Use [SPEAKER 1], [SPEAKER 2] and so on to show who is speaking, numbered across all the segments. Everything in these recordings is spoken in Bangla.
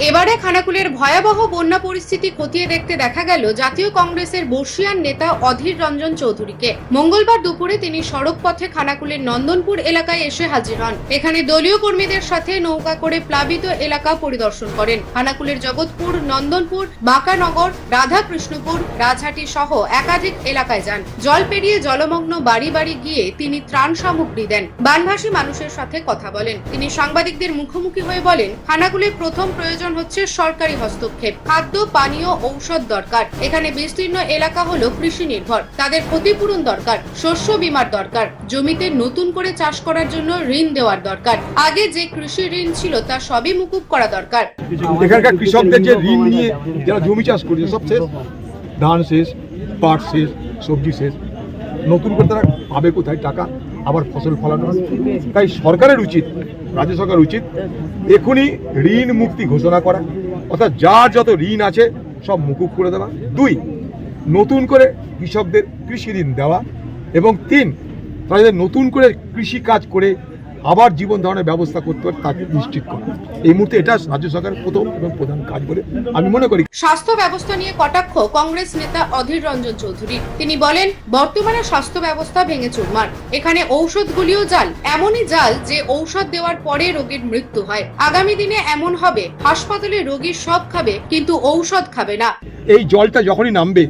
[SPEAKER 1] এবারে খানাকুলের ভয়াবহ বন্যা পরিস্থিতি খতিয়ে দেখতে দেখা গেল জাতীয় কংগ্রেসের বর্ষিয়ান নেতা অধীর রঞ্জন চৌধুরীকে। মঙ্গলবার দুপুরে তিনি সড়ক পথে খানাকুলের নন্দনপুর এলাকায় এসে হাজির হন। এখানে দলীয় কর্মীদের সাথে নৌকা করে প্লাবিত এলাকা পরিদর্শন করেন। খানাকুলের জগৎপুর, নন্দনপুর, বাঁকানগর, রাধাকৃষ্ণপুর, রাজহাটি সহ একাধিক এলাকায় যান। জল পেরিয়ে জলমগ্ন বাড়ি বাড়ি গিয়ে তিনি ত্রাণ সামগ্রী দেন। বানভাসী মানুষের সাথে কথা বলেন। তিনি সাংবাদিকদের মুখোমুখি হয়ে বলেন, খানাকুলের প্রথম প্রয়োজন হচ্ছে সরকারি হস্তক্ষেপ। খাদ্য, পানীয়, ঔষধ দরকার। এখানে বিস্তীর্ণ এলাকা হলো কৃষি নির্ভর, তাদের ক্ষতিপূরণ দরকার, শস্য বীমার দরকার, জমিতে নতুন করে চাষ করার জন্য ঋণ দেওয়ার দরকার। আগে যে কৃষি ঋণ ছিল তা সবই মুকুব করা দরকার।
[SPEAKER 2] এখানকার কৃষকদের যে ঋণ নিয়ে যারা জমি চাষ করছে সব শেষ, ধান শেষ, পাট শেষ, সবজি শেষ, নতুন করে তারা পাবে কোথায় টাকা আবার ফসল ফলানো? তাই সরকারের উচিত, রাজ্য সরকার উচিত এখনই ঋণ মুক্তি ঘোষণা করা, অর্থাৎ যার যত ঋণ আছে সব মুকুব করে দেওয়া। 2, নতুন করে কৃষকদের কৃষি ঋণ দেওয়া, এবং 3, তাদের নতুন করে কৃষি কাজ করে আবার জীবন ধারণের ব্যবস্থা করতে পারে তা নিশ্চিত করা। এই মুহূর্তে এটা রাজ্য সরকারের প্রথম এবং প্রধান কাজ বলে আমি মনে করি।
[SPEAKER 1] স্বাস্থ্য ব্যবস্থা নিয়ে কটাক্ষ কংগ্রেস নেতা অধীর রঞ্জন চৌধুরী। তিনি বলেন, বর্তমানে স্বাস্থ্য ব্যবস্থা ভেঙে চুরমার। এখানে ঔষধগুলিও জাল, এমনই জাল যে ঔষধ দেওয়ার পরে রোগীর মৃত্যু হয়। আগামী দিনে এমন হবে, হাসপাতালে রোগী সব খাবে কিন্তু ঔষধ খাবে না।
[SPEAKER 2] এই জলটা যখনই নামবে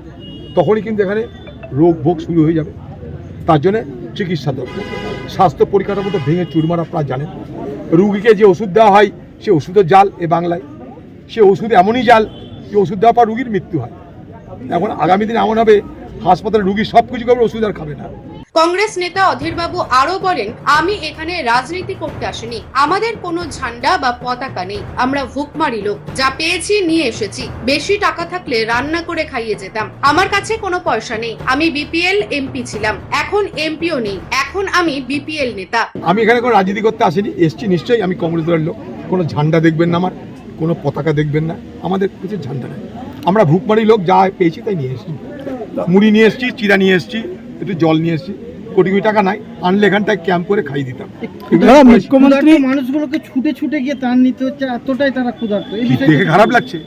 [SPEAKER 2] তখনই কিন্তু এখানে রোগ ভোগ শুরু হয়ে যাবে। তার জন্য চিকিৎসা দরকার। স্বাস্থ্য পরিকাঠামো তো ভেঙে চুরমার, আপনারা জানেন। রুগীকে যে ওষুধ দেওয়া হয় সে ওষুধও জাল এ বাংলায়। সে ওষুধ এমনই জাল যে ওষুধ দেওয়ার পর রুগীর মৃত্যু হয়। এখন আগামী দিনে এমন হবে হাসপাতালে রুগী সব কিছু খাবে, ওষুধ আর খাবে না।
[SPEAKER 1] কংগ্রেস নেতা অধীরবাবু আরো বলেন, আমি এখানে রাজনীতি করতে আসিনি। আমাদের কোনো ঝান্ডা বা পতাকা নেই। আমরা ভুকমারি লোক, যা পেয়েছি নিয়ে এসেছি। বেশি টাকা থাকলে রান্না করে খাইয়ে যেতাম। আমার কাছে কোনো পয়সা নেই। আমি বিপিএল এমপি ছিলাম, এখন এমপিও নেই। এখন আমি বিপিএল নেতা।
[SPEAKER 2] আমি এখানে কোনো রাজনীতি করতে আসিনি, এসছি নিশ্চয়ই আমি কংগ্রেস দলের লোক। কোনো ঝান্ডা দেখবেন না, আমার কোনো পতাকা দেখবেন না, আমাদের কিছু ঝান্ডা নেই। আমরা ভুকমারি লোক, যা পেয়েছি তাই নিয়ে এসেছি। মুড়ি নিয়ে এসেছি, চিরা নিয়ে এসেছি, একটু জল নিয়ে এসেছি। কোটি কোটি টাকা নাই, আনলে এখানটায় ক্যাম্প করে খাইয়ে দিতাম।
[SPEAKER 3] মুখ্যমন্ত্রী মানুষগুলোকে ছুটে ছুটে গিয়ে ত্রাণ নিতে হচ্ছে, এতটাই তারা ক্ষুধার্ত।
[SPEAKER 2] দেখে খারাপ লাগছে,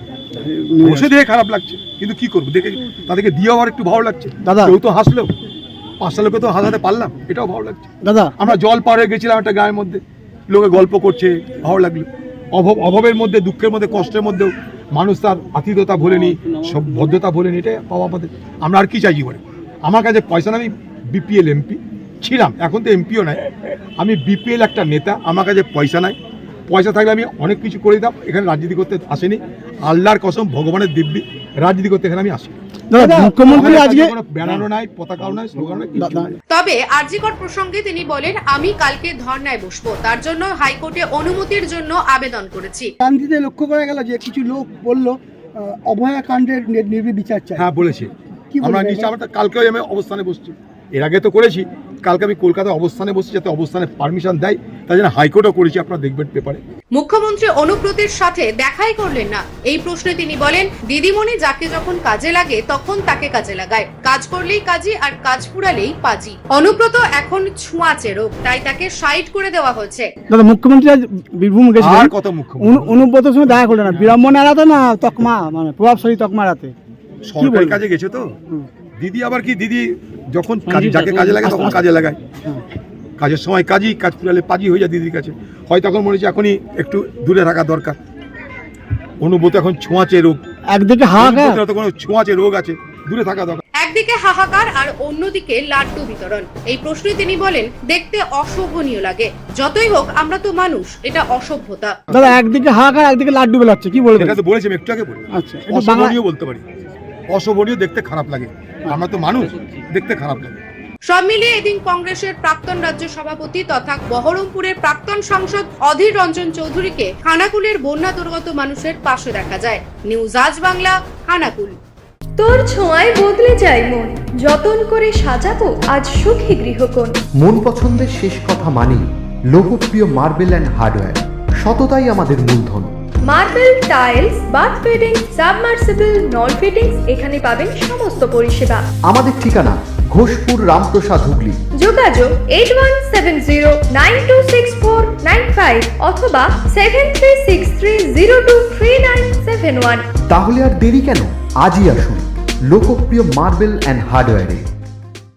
[SPEAKER 2] বসে দেখে খারাপ লাগছে, কিন্তু কি করবো, দেখে তাদেরকে দিয়ে আবার একটু ভালো লাগছে।
[SPEAKER 3] দাদা,
[SPEAKER 2] কেউ তো হাসলো, 5টা লোকে তো হাসাতে পারলাম, এটাও ভালো লাগছে।
[SPEAKER 3] দাদা,
[SPEAKER 2] আমরা জল পার হয়ে গেছিলাম একটা গায়ের মধ্যে, লোকে গল্প করছে, ভালো লাগলো। অভাবের মধ্যে, দুঃখের মধ্যে, কষ্টের মধ্যেও মানুষ তার আতিথ্যতা ভোলেনি, সব ভদ্রতা ভোলেনি। এটাই পাওয়া আমাদের। আমরা আর কি চাই জীবনে? আমার কাছে পয়সা না, আমি বিপিএল এমপি ছিলাম, এখন তো এমপিও নাই। আমি বিপিএল একটা নেতা, আমার কাছে পয়সা নাই। পয়সা থাকলে আমি অনেক কিছু করে দিতাম। এখানে রাজনীতি করতে আসেনি, আল্লাহর কসম, ভগবানের দিব্যি, রাজনীতি করতে এখানে আমি আসি।
[SPEAKER 3] মুখ্যমন্ত্রী আজকে
[SPEAKER 2] কোনো ব্যানারও নাই, পতাকাও নাই, স্লোগানও নাই।
[SPEAKER 1] তবে আরজিকর প্রসঙ্গে তিনি বলেন, আমি কালকে ধর্নায় বসবো, তার জন্য হাইকোর্টে অনুমতির জন্য আবেদন করেছি।
[SPEAKER 3] গান্ধীতে লক্ষ্য করা গেল যে কিছু লোক বলল অভয়া কাণ্ডের নির্বিচার চাই।
[SPEAKER 2] হ্যাঁ, বলেছে। আমরা নিশ্চয়, আমরা কালকেও আমি অবস্থানে বসছি, এর আগে তো করেছি। কালকে আমি কলকাতায় অবস্থানে বসছি, যাতে অবস্থানে পারমিশন দেয়, তাই জন্য হাইকোর্টও করেছি, আপনারা দেখবেন পেপারে।
[SPEAKER 1] মুখ্যমন্ত্রী অনুব্রতের সাথে দেখাই করলেন না। এই প্রশ্নে তিনি বলেন, দিদিমণি যাকে যখন কাজে লাগে তখন তাকে কাজে লাগায়। কাজ করলেই কাজী, আর কাজ পুরালেই পাজি। অনুব্রত এখন ছোঁয়াচে রোগ, তাই তাকে সাইড করে দেওয়া হয়েছে।
[SPEAKER 3] দাদা, মুখ্যমন্ত্রী আজ বীরভূম গেছিলেন,
[SPEAKER 2] আর কত মুখ্যমন্ত্রী
[SPEAKER 3] অনুব্রতের সঙ্গে দেখা করলেন না, বিড়ম্বনা এড়াতে না তকমা, মানে প্রভাবশালী তকমা এড়াতে
[SPEAKER 2] সরকারি কাজে গেছে তো। দিদি আবার কি, দিদি যখন যাকে কাজে লাগে তখন কাজে লাগায়। কাজের সময় কাজী, কাজ পুরালে পাজি হয়ে যায় দিদির কাছে। হয়তো এখন মনে হচ্ছে এখনই একটু দূরে থাকা দরকার। অনুব্রত এখন ছোঁয়াচে রোগ,
[SPEAKER 3] একদিকে হাহাকার,
[SPEAKER 2] কোনো ছোঁয়াচে রোগ আছে, দূরে থাকা দরকার।
[SPEAKER 1] একদিকে হাহাকার আর অন্যদিকে লাড্ডু বিতরণ। এই প্রশ্নে তিনি বলেন, দেখতে অশোভনীয় লাগে। যতই হোক, আমরা তো মানুষ, এটা অসভ্যতা।
[SPEAKER 3] দাদা, একদিকে হাহাকার, একদিকে লাড্ডু বেলাচ্ছে, কি বলবেন?
[SPEAKER 2] এটা তো বলেছি আমি একটু আগে, বলি
[SPEAKER 3] আচ্ছা,
[SPEAKER 2] অশোভনীয় বলতে পারি। অশোভনীয়, দেখতে খারাপ লাগে। আমরা তো মানুষ, দেখতে খারাপ লাগে।
[SPEAKER 1] সব মিলিয়ে এদিন কংগ্রেসের প্রাক্তন রাজ্য সভাপতি তথা বহরমপুরের প্রাক্তন সাংসদ অধীর রঞ্জন চৌধুরীকে খানাকুলের বন্যা দুর্গত মানুষের পাশে দেখা যায়। নিউজ আজ বাংলা, খানাকুল।
[SPEAKER 4] তোর ছোঁয়ায় বদলে যায় মন, যতন করে সাজাবো আজ সুখী গৃহকোণ।
[SPEAKER 5] মন পছন্দের শেষ কথা মানি লোকপ্রিয় মার্বেল অ্যান্ড হার্ডওয়্যার, সততাই আমাদের মূলধন।
[SPEAKER 4] Marble, tiles, bath fitting, submersible, নল ফিটিংস, এখানে পাবেন সমস্ত পরিষেবা।
[SPEAKER 5] আমাদের ঠিকানা ঘোষপুর রামপ্রসাদ হুগলি।
[SPEAKER 4] যোগাযোগ 8170926495 অথবা 7363023971।
[SPEAKER 5] তাহলে আর দেরি কেন, আজই আসুন লোকপ্রিয় মার্বেল অ্যান্ড হার্ডওয়্যারে।